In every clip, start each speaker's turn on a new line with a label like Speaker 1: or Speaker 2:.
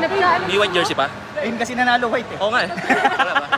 Speaker 1: Hanap ka.
Speaker 2: May white jersey pa?
Speaker 3: Ayun kasi nanalo white eh.
Speaker 2: Oo nga eh. Wala ba?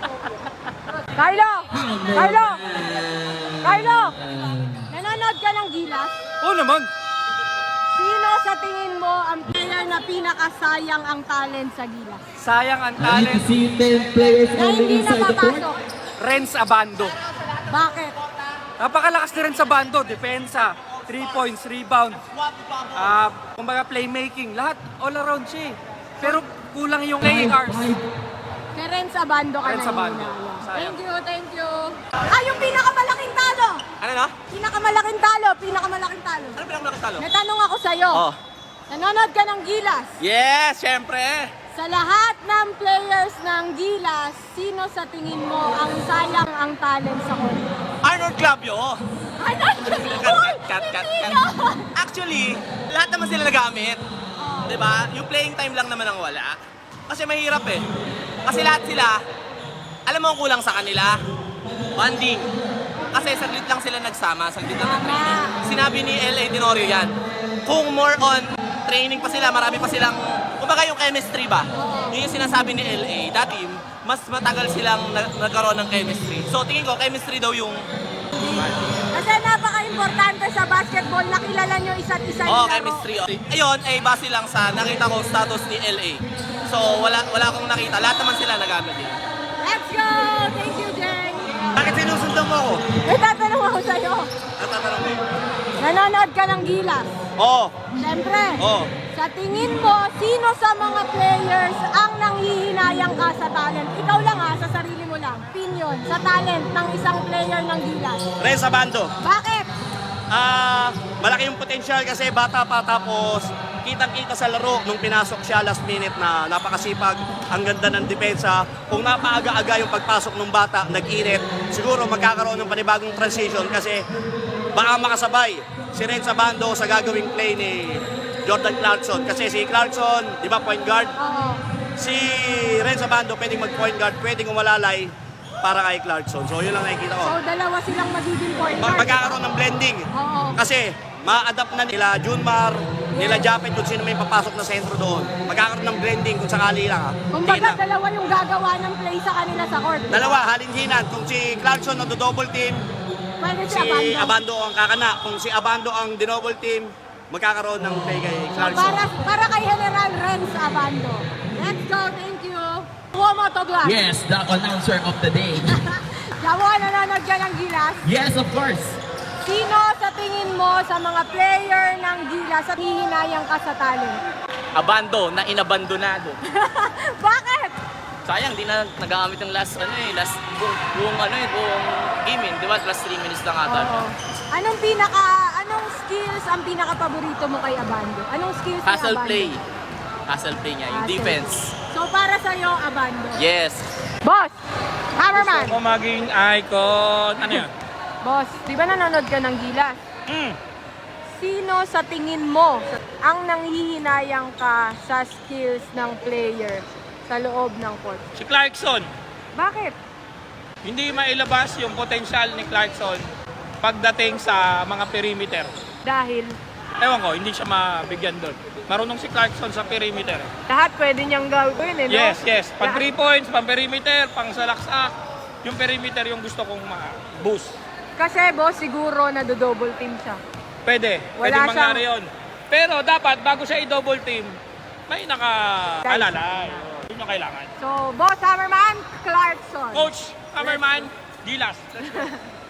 Speaker 1: Kylo! Kylo! Kylo! Nanonood ka ng Gilas?
Speaker 2: Oo naman.
Speaker 1: Sino sa tingin mo ang player na pinakasayang ang talent sa Gilas?
Speaker 2: Sayang ang
Speaker 4: I need to
Speaker 2: talent.
Speaker 4: see 10 players
Speaker 1: Na
Speaker 4: moving
Speaker 1: hindi
Speaker 4: inside the court.
Speaker 1: napapasok.
Speaker 2: Renz Abando.
Speaker 1: Bakit?
Speaker 2: Napakalakas ni Renz Abando. Depensa, 3 points, rebound. Kumbaga playmaking. Lahat all around siya eh. Pero kulang yung playing hours.
Speaker 1: Kay Renz Abando ka
Speaker 2: Renz
Speaker 1: na
Speaker 2: Abando.
Speaker 1: hinala.
Speaker 2: Sayang.
Speaker 1: Thank you, thank you. Ah, yung pinakamalaking talo!
Speaker 2: Ano na?
Speaker 1: Pinakamalaking talo, pinakamalalaking talo.
Speaker 2: Ano pinakamalaki talo?
Speaker 1: May tanong ako sa'yo.
Speaker 2: Oh.
Speaker 1: Nanonood ka ng Gilas?
Speaker 2: Yes, syempre.
Speaker 1: Sa lahat ng players ng Gilas, sino sa tingin mo ang sayang ang talent sa court?
Speaker 2: Arnold Clavio.
Speaker 1: Ano?
Speaker 2: Cut.
Speaker 1: Hindi yun.
Speaker 2: Actually, lahat naman sila nagamit. Diba? Yung playing time lang naman ang wala. Kasi mahirap eh. Kasi lahat sila, alam mo ang kulang sa kanila? Bonding. Kasi saglit lang sila nagsama, saglit lang nag-training. Sinabi ni L.A. Tenorio yan. Kung more on training pa sila, marami pa silang, kumbaga yung chemistry ba? Yun yung sinasabi ni L.A. Dati, mas matagal silang nagkaroon ng chemistry. So tingin ko, chemistry daw yung
Speaker 1: Kasi napaka-importante sa basketball na kilala nyo isa't isa yung laro.
Speaker 2: chemistry. Ayun, ay base lang sa nakita ko status ni LA. So, wala akong nakita. Lahat naman sila nagamit din.
Speaker 1: Let's go! Thank you, Jeng!
Speaker 2: Bakit sinusundan mo ako?
Speaker 1: May tatanong ako sa'yo.
Speaker 2: Natatanong mo.
Speaker 1: Nanonood ka ng Gilas?
Speaker 2: Oo.
Speaker 1: Siyempre.
Speaker 2: Oo.
Speaker 1: Sa tingin mo, sino sa mga players ang nanghihinayang ka sa talent? Ikaw lang ha, sa sarili mo lang. Opinion sa talent ng isang player ng Gilas.
Speaker 2: Renz Abando.
Speaker 1: Bakit?
Speaker 2: Malaki yung potential kasi bata pa tapos kitang-kita sa laro nung pinasok siya last minute na napakasipag, ang ganda ng depensa. Kung napaaga-aga yung pagpasok ng bata, nag-init, siguro magkakaroon ng panibagong transition kasi baka makasabay si Renz Abando sa gagawing play ni Jordan Clarkson. Kasi si Clarkson, di ba, point guard?
Speaker 1: Oo.
Speaker 2: Si Renz Abando pwedeng mag-point guard, pwedeng umalalay para kay Clarkson. So yun lang nakikita ko.
Speaker 1: So, dalawa silang magiging point guard.
Speaker 2: Magkakaroon ng blending.
Speaker 1: Oo.
Speaker 2: Kasi ma-adapt na nila Junmar, nila Japet kung sino may papasok na sentro doon. Magkakaroon ng blending kung sakali lang ha.
Speaker 1: Kumbaga,
Speaker 2: Hindi na.
Speaker 1: dalawa yung gagawa ng play sa kanila sa court.
Speaker 2: Dalawa, halinhinan. Kung si Clarkson ang double team,
Speaker 1: Pwede si
Speaker 2: si
Speaker 1: Abando.
Speaker 2: Abando ang kakana. Kung si Abando ang double team, magkakaroon ng play kay Clarkson.
Speaker 1: Para kay General Renz Abando. Let's go, thank you. Kuha to glass.
Speaker 4: Yes, the announcer of the day.
Speaker 1: Jawa, nanonood ka ng Gilas?
Speaker 4: Yes, of course.
Speaker 1: Sino sa tingin mo sa mga player ng Gilas at hihinayang ka sa talent?
Speaker 5: Abando na inabandonado.
Speaker 1: Bakit?
Speaker 5: Sayang, di na nagamit yung last buong game, di ba? Last 3 minutes lang ata.
Speaker 1: Oo. Anong skills ang pinaka-paborito mo kay Abando? Anong skills ni
Speaker 5: Hustle
Speaker 1: Abando?
Speaker 5: play. Hustle play niya, yung
Speaker 1: Hustle.
Speaker 5: defense.
Speaker 1: So para sa'yo, Abando.
Speaker 5: Yes.
Speaker 1: Boss! Hammerman!
Speaker 6: Gusto ko maging icon. Ano yan?
Speaker 1: Boss, di ba nanonood ka ng Gilas?
Speaker 6: Mm.
Speaker 1: Sino sa tingin mo ang nanghihinayang ka sa skills ng player sa loob ng court?
Speaker 6: Si Clarkson.
Speaker 1: Bakit?
Speaker 6: Hindi mailabas yung potensyal ni Clarkson pagdating sa mga perimeter.
Speaker 1: Dahil
Speaker 6: Ewan ko, hindi siya mabigyan doon. Marunong si Clarkson sa perimeter.
Speaker 1: lahat pwede niyang gawin eh, no?
Speaker 6: Yes. Pang 3 points, pang perimeter, pang salaksak. Yung perimeter yung gusto kong ma-boost.
Speaker 1: Kasi boss, siguro na double team siya.
Speaker 6: Pwede
Speaker 1: Wala
Speaker 6: mangyari yun. Pero dapat, bago siya i-double team, may naka-alalay. Yun yung kailangan.
Speaker 1: So, boss Hammerman, Clarkson.
Speaker 6: Coach Hammerman, Gilas. Let's go.